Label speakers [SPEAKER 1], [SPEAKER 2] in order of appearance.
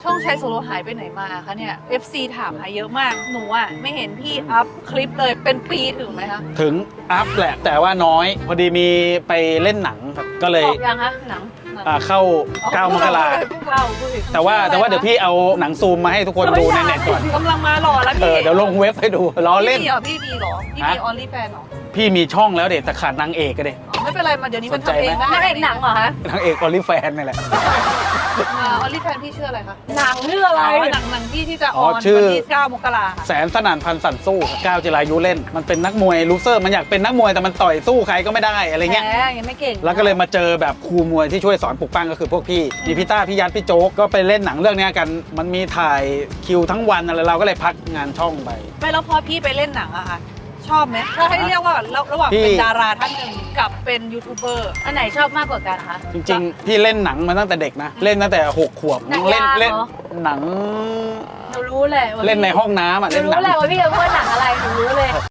[SPEAKER 1] ช่องชายโซโลหายไปไหนมาคะเนี่ย FC ถามหาเยอะมากหนูอ่ะไม่เห็นพี่อัพคลิปเลยเป็นปีถึงไหมคะ
[SPEAKER 2] ถึงอัพแหละแต่ว่าน้อย พอดีมีไปเล่นหนังครับก็เลย
[SPEAKER 1] ออกยังคะหนัง
[SPEAKER 2] เข้า9 มกรา แต่ว่าเดี๋ยวพี่เอาหนังซูมมาให้ทุกคนดูในเน็ตก่อน
[SPEAKER 1] กำลังมาหล่อแล้วพี่
[SPEAKER 2] เดี๋ยวลงเว็บให้ดูล้อเล่น
[SPEAKER 1] พี่มีเหรอพี่มีออลลี่แฟนเหรอ
[SPEAKER 2] พี่มีช่องแล้วเด็ดแต่ขาดนางเอกก็เด็
[SPEAKER 1] ไม่เป็นไรมาเดี๋ยวนี้มัน
[SPEAKER 2] สนใจ
[SPEAKER 1] ทำเอง
[SPEAKER 2] ไหม
[SPEAKER 1] ได้
[SPEAKER 3] นางเอกหนังเหรอคะ
[SPEAKER 2] นางเอกออลลี่แฟนนี่แหละ
[SPEAKER 1] ออลลี่แฟนพี่ชื่ออะไรคะ
[SPEAKER 3] หนังเรื่องอะไร
[SPEAKER 1] หนังพี่ที่จะอ
[SPEAKER 2] อ๋
[SPEAKER 1] อ
[SPEAKER 2] อน ชื่อ
[SPEAKER 1] วันที่9 มกรา
[SPEAKER 2] แสนสนั่นพันสันสู้ก้าวจิรายุเล่น มันเป็นนักมวยลูเซอร์มันอยากเป็นนักมวยแต่มันต่อยสู้ใครก็ไม่ได้อะไรเงี้ย
[SPEAKER 1] แหมยังไม่เก่ง
[SPEAKER 2] แล้วก็เลยมาเจอแบบครูมวยที่ช่วยสอนปลุกปั้งก็คือพวกพี่มีพี่ต้าพี่ยัดพี่โจ๊กก็ไปเล่นหนังเรื่องนี้กันมันมีถ่ายคิวทั้งวันอะไรเราก็เลยพักงานช่องไป
[SPEAKER 1] ไม่แล้วพอพี่ไปเล่นหนังอะค่ะชอบไหมถ้าให้เรียกว่าระหว่างเป็นดาราท่านหนึ่งกับเป็นยูทูบเบอร์
[SPEAKER 3] อันไหนชอบมากกว่ากันคะ
[SPEAKER 2] จริงๆพี่เล่นหนังมาตั้งแต่เด็กนะเล่นตั้งแต่6 ขวบ
[SPEAKER 3] หนัง
[SPEAKER 2] เล่น
[SPEAKER 3] ยาง
[SPEAKER 2] เล่น
[SPEAKER 3] เหรอ
[SPEAKER 2] หนัง
[SPEAKER 3] หนูรู้เลยว่า
[SPEAKER 2] เล่นในห้องน้ำอ่ะ
[SPEAKER 3] หนู
[SPEAKER 2] เล่นหนั
[SPEAKER 3] รู้
[SPEAKER 2] ง
[SPEAKER 3] เลยว่าพี่จะพูดหนังอะไรหนูรู้เลย